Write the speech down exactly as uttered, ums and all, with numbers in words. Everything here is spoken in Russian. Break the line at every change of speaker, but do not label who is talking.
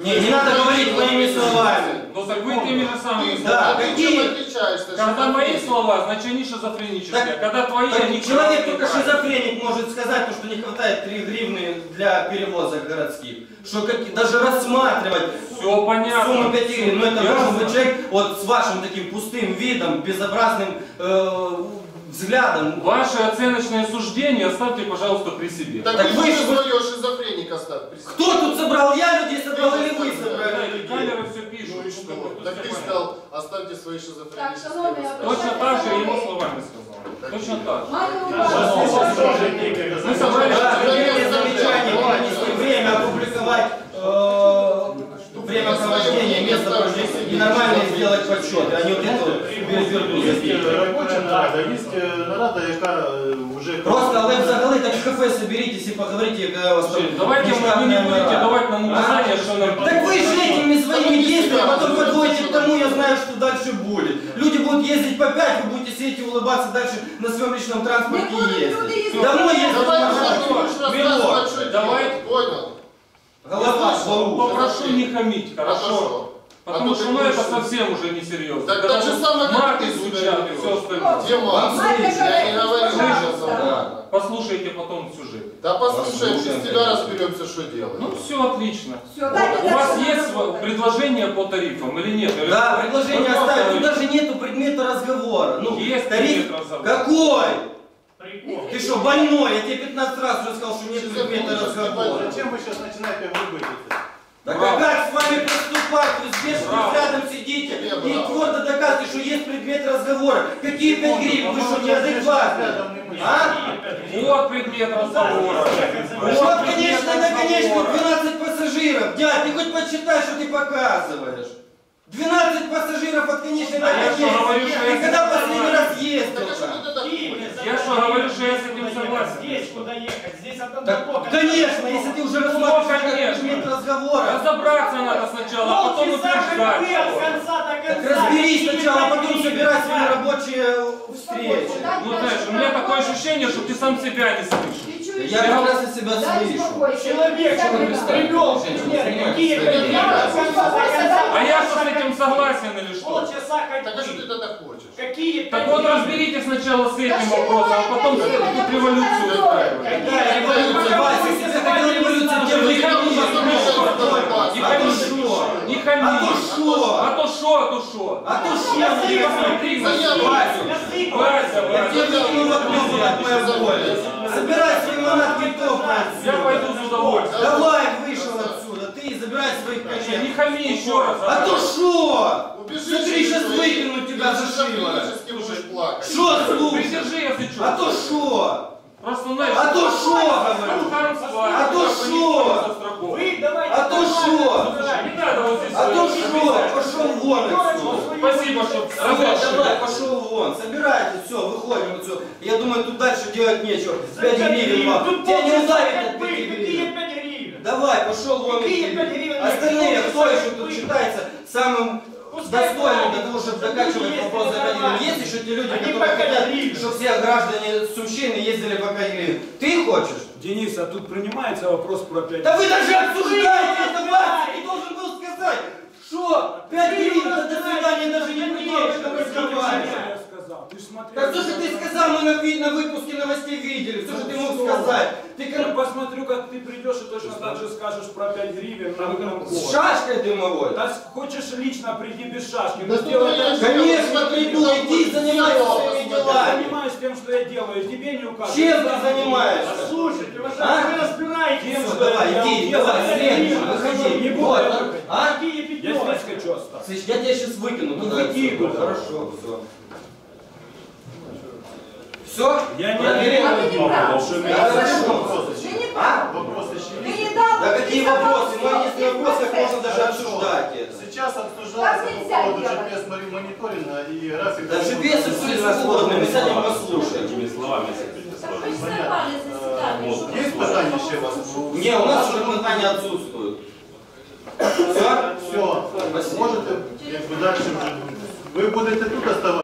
Не, не надо говорить моими словами.
Ну так вы теми же самыми словами.
Да, какие?
Когда мои слова, значит они шизофренические, а когда твои, они...
Человек только шизофреник может сказать, что не хватает три гривны для перевозок городских. Что как, даже рассматривать
все понятно.
Сумму пять гривен. Но это должен быть человек вот с вашим таким пустым видом, безобразным э, взглядом.
Ваши оценочные суждения оставьте, пожалуйста, при себе.
Так, так вы же свое шизофреник оставь при себе.
Кто тут собрал? Я людей собрал или вы собрали людей?
Камеры все пишут.
Ну и что? Так ты сказал, оставьте свои шизофренические.
Точно так же его словами сказал. Точно так же.
Мы собрали замечания, время опубликовать время провождения, место провождения и нормально сделать подсчеты, а не вот это вот безверду.
Есть рабочая нарада, есть нарада, яка уже...
Просто, але взагалі так в кафе соберитесь и поговорите, когда у вас там...
Давайте вы не будете давать нам указания, что нам...
Так вы же этими своими действиями потом подводите к тому, я знаю, что дальше будет. Люди будут ездить по пять, вы будете сидеть и улыбаться дальше на своем личном транспорте и ездить. Домой ездить
Давай,
давай.
Понял.
Голова,
попрошу не хамить, хорошо? Потому что ну это совсем уже несерьезно.
Так так же самое, как
маты
ты
звучат и все остальное.
Где мат? Я не говорю сейчас.
Послушайте потом сюжет.
Да послушаем, с тебя разберемся, что делать.
Ну все отлично. У вас есть предложение по тарифам или нет?
Да, предложение оставить. Тут даже нету предмета разговора. Ну,
есть
тариф какой? Ты что, больной? Я тебе пятнадцать раз уже сказал, что нет предмета разговора.
Зачем вы сейчас начинаете выбыть?
Да как с вами поступать? Вы с бешеным рядом сидите и твердо доказываете, что есть предмет разговора. Какие пять гривен? Вы что, неадекватны? А?
Вот предмет разговора.
Вот, конечно, наконечно двенадцать пассажиров. Дядь, ты хоть подсчитай, что ты показываешь. двенадцать пассажиров от конечной до конечной. Ты когда последний раз ездил?
Я что говорю, что я с этим согласен.
Здесь куда ехать? Здесь от
Так, конечно, если ты уже рассматриваешь предмет разговора.
Разобраться надо сначала, а потом утверждать.
Так разберись сначала, а потом собирай свои рабочие встречи.
Ну знаешь, у меня такое ощущение, что ты сам себя не слышишь.
Я как раз из себя слышу.
Человек, привел какие
А я что с этим согласен или что?
полчаса
Так а что ты
ходить.
тогда хочешь?
Какие
Так вот разберитесь сначала с этим вопросом, а потом тут революцию устраивать.
Какая революция? Вася, если ты хотел революцию, где вы
Не хами, не хами.
А то шо?
А то шо, а то шо?
А то шо?
Ты посмотри,
Вася,
Вася,
я
Вася.
тебе выкину в окно от моей воли. Собирай свой монат китов
Я пойду с удовольствием.
Давай, вышел отсюда, ты забирай своих коней.
Не хами еще раз.
А то шо?
Убежишь,
Смотри, сейчас
и
выкину тебя за
шизофренически
шиворот.
будешь плакать.
Шо слушай?
Придержи, если что.
А то шо?
Просто знаешь.
А то шо, говорю? А то шо?
Вы давайте.
А то шо?
Не надо вот здесь.
А то шо? Пошел вон отсюда.
Спасибо, что
Давай, давай, пошел вон. Собирайте, все, выходим отсюда. Я думаю, тут дальше делать нечего. пять гривен вам. Тебя не удавит от пяти
Какие
гривен.
пять гривен?
Давай, пошел вон.
Какие пять гривен?
Остальные, кто еще тут считается самым достойным для того, чтобы докачивать вопрос за пять гривен? Есть еще те люди, которые хотят, чтобы все граждане Сумщины ездили по пять гривен. Ты хочешь?
Денис, а тут принимается вопрос про пять.
Да вы даже обсуждаете это, Вася! Ты должен был сказать, что пять гривен, да до свидания, даже не придумал, что разговаривать.
Я сказал. Ты ж смотрел.
Так что же ты сказал, мы на, на выпуске новостей видели, что же ты мог сказать? Ты
Я
как
посмотрю, как ты придешь и точно так же скажешь про пять гривен на выгодном
с шашкой дымовой?
Да хочешь лично, приди без шашки.
Да
Но сделай
ты,
так, что-
Конечно, приду, иди занимайся своими
Я
делами.
занимаюсь тем, что я делаю, тебе не указываю.
Чем ты занимаешься?
Слушайте, вы
А?
вы разбираетесь.
Все, давай, иди, давай, следующий, выходи.
Не буду.
Вот, а?
Какие
Я
пятерки?
здесь хочу остаться.
Слышь, я тебя сейчас выкину туда.
Выйди
отсюда.
туда.
Хорошо, все. Все?
Я не
Проверил?
А ты не прав.
Что
Ты
Да, хорошо.
не
А?
прав.
Вопросы еще
Ты
есть?
не дал.
Да какие вопросы? Мой единственный вопрос, как можно даже
Хорошо.
обсуждать это.
Сейчас обсуждается
Так
по
нельзя
поводу
делать.
джи пи эс-мониторинга и раз и
Да джи пи эс все свободны, мы сядем послушаем.
Этими словами, если будете
Так вы
сложить.
же нормально заседали.
Вот.
Что
Есть
вы
питание
слушаете?
еще у вас?
Не, у нас уже питание отсутствует. Все?
Все.
Спасибо.
Можете, як би далі вже. Ви будете тут оставатися?